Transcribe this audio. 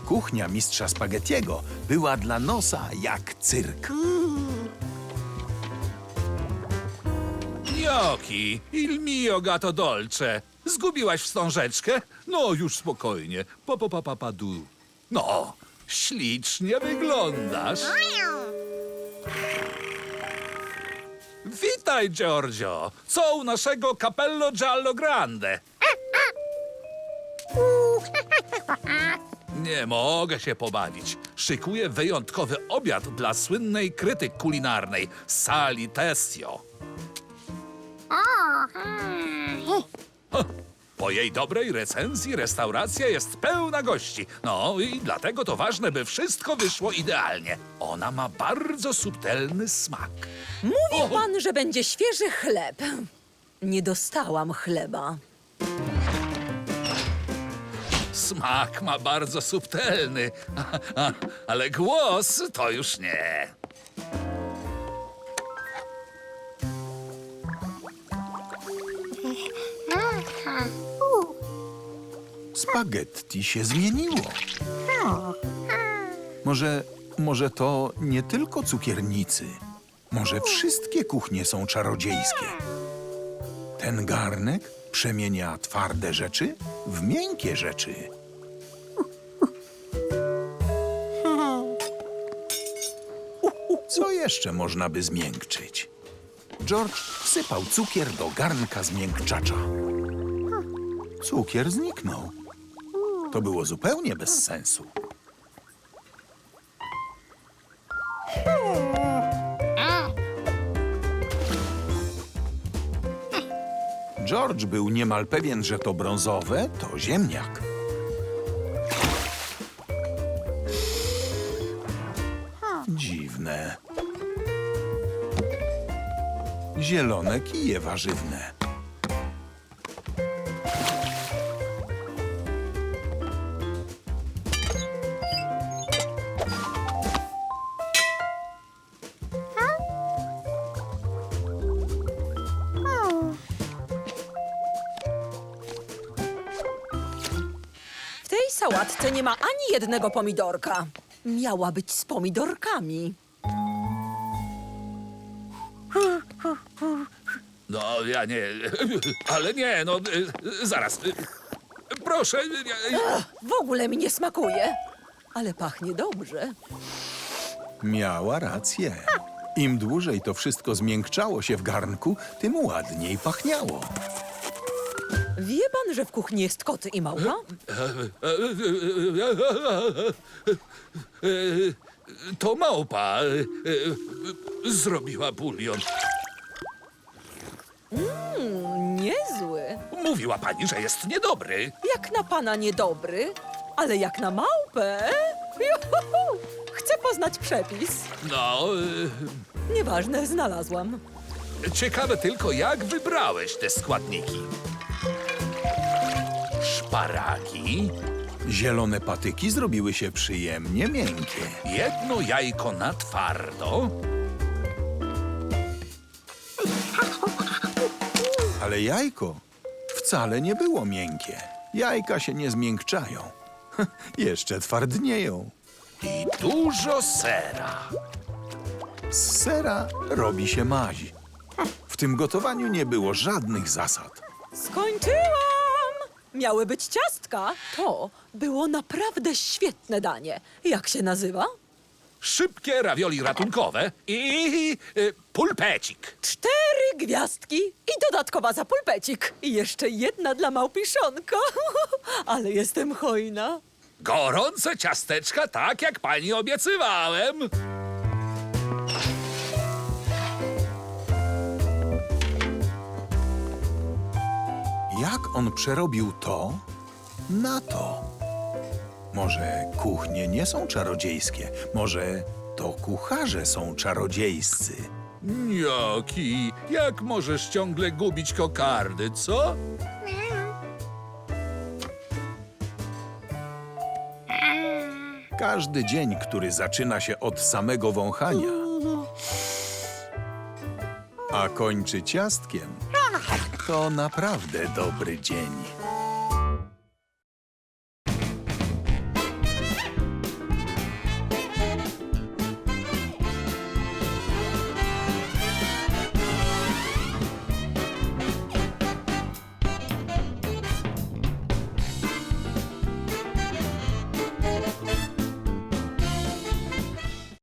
Kuchnia mistrza Spaghettiego była dla nosa jak cyrk. Gnocchi, il mio gatto dolce. Zgubiłaś wstążeczkę? No, już spokojnie. Papadu. No, ślicznie wyglądasz. Witaj, Giorgio. Co u naszego Capello Giallo Grande? Nie mogę się pobawić. Szykuję wyjątkowy obiad dla słynnej krytyk kulinarnej Sali Tessio. Po jej dobrej recenzji restauracja jest pełna gości. No i dlatego to ważne, by wszystko wyszło idealnie. Ona ma bardzo subtelny smak. Mówi pan, że będzie świeży chleb. Nie dostałam chleba. Smak ma bardzo subtelny, ale głos to już nie. Spaghetti się zmieniło. Może to nie tylko cukiernicy. Może wszystkie kuchnie są czarodziejskie. Ten garnek przemienia twarde rzeczy w miękkie rzeczy. Co jeszcze można by zmiękczyć? George wsypał cukier do garnka zmiękczacza. Cukier zniknął. To było zupełnie bez sensu. George był niemal pewien, że to brązowe to ziemniak. Dziwne. Zielone kije warzywne. W tej sałatce nie ma ani jednego pomidorka. Miała być z pomidorkami. No, ja nie... Ale nie, no... Zaraz. Proszę... W ogóle mi nie smakuje. Ale pachnie dobrze. Miała rację. Im dłużej to wszystko zmiękczało się w garnku, tym ładniej pachniało. Wie pan, że w kuchni jest kot i małpa? To małpa zrobiła bulion. Niezły. Mówiła pani, że jest niedobry. Jak na pana niedobry, ale jak na małpę. Juhu! Chcę poznać przepis. No, Nieważne, znalazłam. ciekawe tylko, jak wybrałeś te składniki. Szparagi, Zielone patyki zrobiły się przyjemnie miękkie. jedno jajko na twardo, Ale jajko wcale nie było miękkie. Jajka się nie zmiękczają. Jeszcze twardnieją. i dużo sera. Z sera robi się maź. W tym gotowaniu nie było żadnych zasad. Skończyłam! Miały być ciastka. To było naprawdę świetne danie. Jak się nazywa? Szybkie ravioli ratunkowe i pulpecik. 4 gwiazdki i dodatkowa za pulpecik. I jeszcze jedna dla małpiszonka. Ale jestem hojna. Gorące ciasteczka, tak jak pani obiecywałem. Jak on przerobił to na to? Może kuchnie nie są czarodziejskie? Może to kucharze są czarodziejscy? Gnocchi, jak możesz ciągle gubić kokardy, co? Każdy dzień, który zaczyna się od samego wąchania, a kończy ciastkiem, to naprawdę dobry dzień.